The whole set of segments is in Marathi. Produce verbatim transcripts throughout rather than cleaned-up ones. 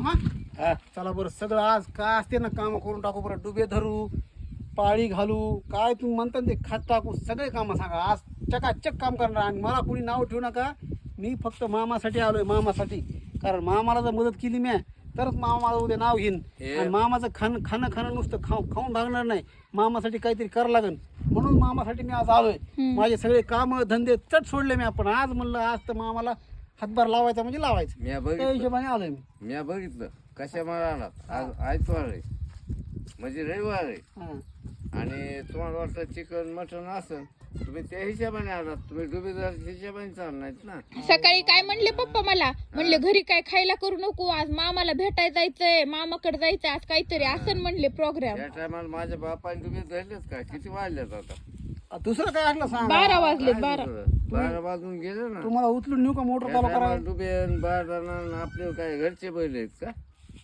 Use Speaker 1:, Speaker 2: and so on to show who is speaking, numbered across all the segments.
Speaker 1: मामा
Speaker 2: हा
Speaker 1: चला बरं सगळं आज काय असते ना काम करून टाकू बरं डुबे धरू पाळी घालू काय तुम्ही म्हणता ना ते खात टाकू सगळे कामं सांगा आज चकाचक काम करणार आणि मला कोणी नाव ठेवू नका मी फक्त मामासाठी आलोय मामासाठी कारण मामाला जर मदत केली मी तरच मामा मला उद्या नाव घेईन आणि मामाचं खाणं खाणं खाणं नुसतं खाऊ खाऊन भागणार नाही मामासाठी काहीतरी करावं लागेल म्हणून मामासाठी मी आज आलोय माझे सगळे काम धंदे चट सोडले मी आपण आज म्हणलं आज तर मामाला हातभार लावायचा म्हणजे लावायचं
Speaker 2: मी
Speaker 1: त्या
Speaker 2: बघितलं
Speaker 1: हिशोबाने आलोय मी
Speaker 2: मी बघितलं कशा मला आलात आज आयतवार आहे म्हणजे रविवार आहे
Speaker 1: हां
Speaker 2: आणि तुम्हाला वाटतं चिकन मटन असं तुम्ही त्या हिशोबाने आलात तुम्ही डुबेदार हिशोबाने चालणार नाहीत ना
Speaker 3: सकाळी काय म्हणले पप्पा मला म्हणले घरी काय खायला करू नको आज मामाला भेटायला जायचंय मामाकडे जायचंय आज काहीतरी असं म्हणले प्रोग्राम
Speaker 2: त्या टायमाला माझ्या बापाने डुबे धरलेत का किती वाजल्यात आता
Speaker 1: आ, दुसरं काय असलं सांग
Speaker 3: बारा वाजले
Speaker 2: काय
Speaker 3: बारा
Speaker 2: दुसरं? बारा वाजून गेले ना
Speaker 1: तुम्हाला उचलून नेऊ का मोटर
Speaker 2: त्या
Speaker 1: चालू
Speaker 2: टायमाला
Speaker 1: करायला
Speaker 2: डुबे बारा आपले काय घरचे बैल आहेत का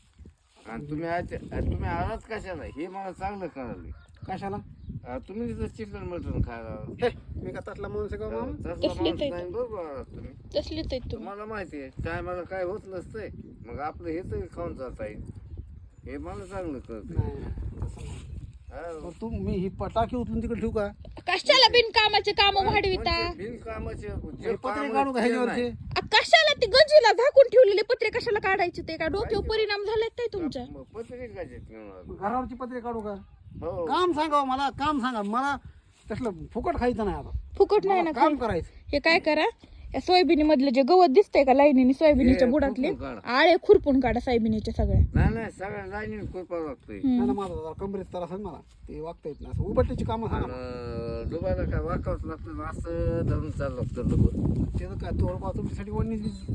Speaker 2: आणि तुम्ही आज तुम्ही आलात कशाला हे मला चांगलं कळालं
Speaker 1: कशाला
Speaker 2: आ, तुम्ही तिथं चिकन मटन खायला
Speaker 1: हे मी का तसला माणूस आहे का मामा
Speaker 2: तसला
Speaker 3: तसलीच
Speaker 2: माणूस
Speaker 3: आहे
Speaker 2: नाही बरोबर आलात तुम्ही
Speaker 3: तसलीच आहेत तुम्ही
Speaker 2: तुम्हाला माहिती आहे टायमाला काय होत नसतंय मग आपलं हे तरी खाऊन जाता येईल हे मला चांगलं कळत
Speaker 1: नाही, तसं नाही. मग तू मी ही पटाकी उचलून तिकडे ठेवू का
Speaker 3: कशाला बिनकामाचे काम वाढविता
Speaker 2: बिनकामाचे
Speaker 1: हे पत्रे काढू का ह्याच्यावरचे
Speaker 3: आ, कशाला ती गंजीला झाकून ठेवलेले पत्रे कशाला काढायचे ते काय डोक्यावर परिणाम झालाय काय तुमच्या
Speaker 2: पत्रिकाचे
Speaker 1: घरावरची पत्रे काढू का
Speaker 2: हो
Speaker 1: काम सांगा मला काम सांगा मला तसलं फुकट खायचं नाही आता
Speaker 3: फुकट नाही ना
Speaker 1: मला काम करायचं
Speaker 3: हे काय करा या सोयाबीन मधलं जे गवत दिसतंय का लाईनीने सोयाबीनच्या
Speaker 2: हे
Speaker 3: बुडातले
Speaker 2: खुरपून काढा.
Speaker 3: आळे खुरपून काढा सोयाबीनच्या सगळ्या
Speaker 2: नाही नाही सगळ्या लाईनीने खुरपावं लागतंय
Speaker 1: नाही ना माझा जरा कमरेत तर असं मला ते वागता येत नाही असं उबट्याची कामं सांगा ना.
Speaker 2: आणि डुबायला काय वाकावंच लागतं असं धरून चाललं लागतं डुबं
Speaker 1: त्याचं काय थोडंफार तुमच्यासाठी वडणी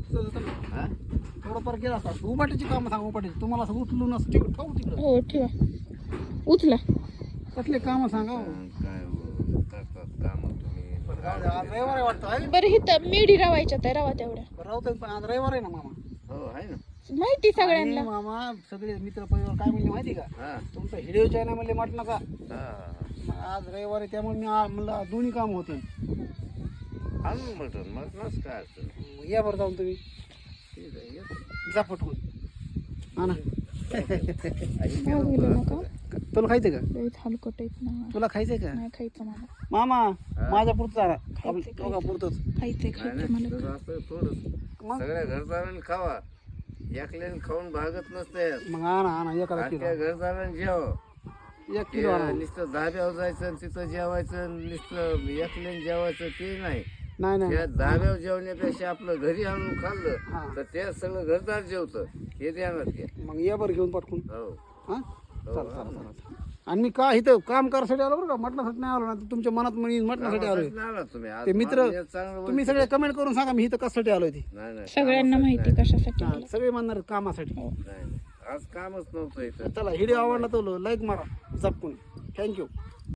Speaker 2: हा
Speaker 1: थोडंफार गेला असता उबाट्याची कामं सांगा उबाट्याची तुम्हाला असं उचलून असं तिकडे ठेवू तिकडं
Speaker 3: हो ठेवा उचला
Speaker 1: कसले कामं सांगा हो.
Speaker 2: काय हो, करतात काम तुम्ही
Speaker 1: पण जाऊ दे, आज रविवार आहे वाटतं आहे
Speaker 3: बरं हिथं मेढी रवायच्या त्या रवा तेवढ्या
Speaker 1: बरं राहू दे, पण आज रविवार आहे ना मामा
Speaker 2: हो आहे ना
Speaker 3: माहिती सगळ्यांना
Speaker 1: आणि मामा सगळे मित्र परिवार काय म्हणले माहिती का
Speaker 2: हा
Speaker 1: तुमचा हिडिओ चॅनल म्हणले म्हटलं का
Speaker 2: हा
Speaker 1: आज रविवार आहे त्यामुळे मी आ- म्हणलं आज दोन्ही काम होते
Speaker 2: आणून मटन मटनच काय असतं
Speaker 1: या बरं जाऊन तुम्ही
Speaker 2: ठीक आहे येतो.
Speaker 1: जा पटकून हा ना
Speaker 2: आई
Speaker 3: मागवलं नका
Speaker 1: तुला खायचं का
Speaker 3: लयच हलकट आहेत ना
Speaker 1: तुला खायचंय का
Speaker 3: नाही खायचं मला
Speaker 1: मामा माझ्या पुरतं जरा
Speaker 3: खायचंय,
Speaker 1: दोघा पुरतच
Speaker 3: खायचंय
Speaker 2: नाही
Speaker 3: खायचं
Speaker 2: नाही,
Speaker 3: मला
Speaker 2: तुझं असं थोडंच.
Speaker 1: मग
Speaker 2: सगळ्या घरदारांनी खावा एकल्याने खाऊन भागत नसते
Speaker 1: मग आणा आणा एखादा किलो
Speaker 2: त्या घरदारांनी जेव
Speaker 1: एक किलो आणा
Speaker 2: नुसतं धाब्यावर जायचं आणि तिथं जेवायचं नुसतं एकल्याने जेवायचं ते नाही
Speaker 1: नाही नाही
Speaker 2: त्या धाब्यावर जेवण्यापेक्षा आपलं घरी आणून
Speaker 1: हा.
Speaker 2: खाल्लं तर ते सगळं घरदार जेवतं हे ध्यानात घ्या
Speaker 1: मग या बरं घेऊन पटकून
Speaker 2: हो
Speaker 1: हा चला चला चला आणि मी का इथं काम करायसाठी आलो बरं का मटणासाठी नाही आलो ना तुमच्या मनात म्हणी मटणासाठी आलोय
Speaker 2: कामासाठी नाही आला तुम्ही आज
Speaker 1: ते मित्र
Speaker 2: मला चांगलं
Speaker 1: तुम्ही सगळे कमेंट करून सांगा मी इथं कशासाठी आलोय ते
Speaker 2: नाही नाही
Speaker 3: सगळ्यांना माहिती कशासाठी
Speaker 1: हा, सगळे म्हणणार आहेत कामासाठी
Speaker 2: नाही, नाही. आज कामच नव्हतं इथं
Speaker 1: चला व्हिडिओ आवडला तर लाईक मारा झपकून थँक्यू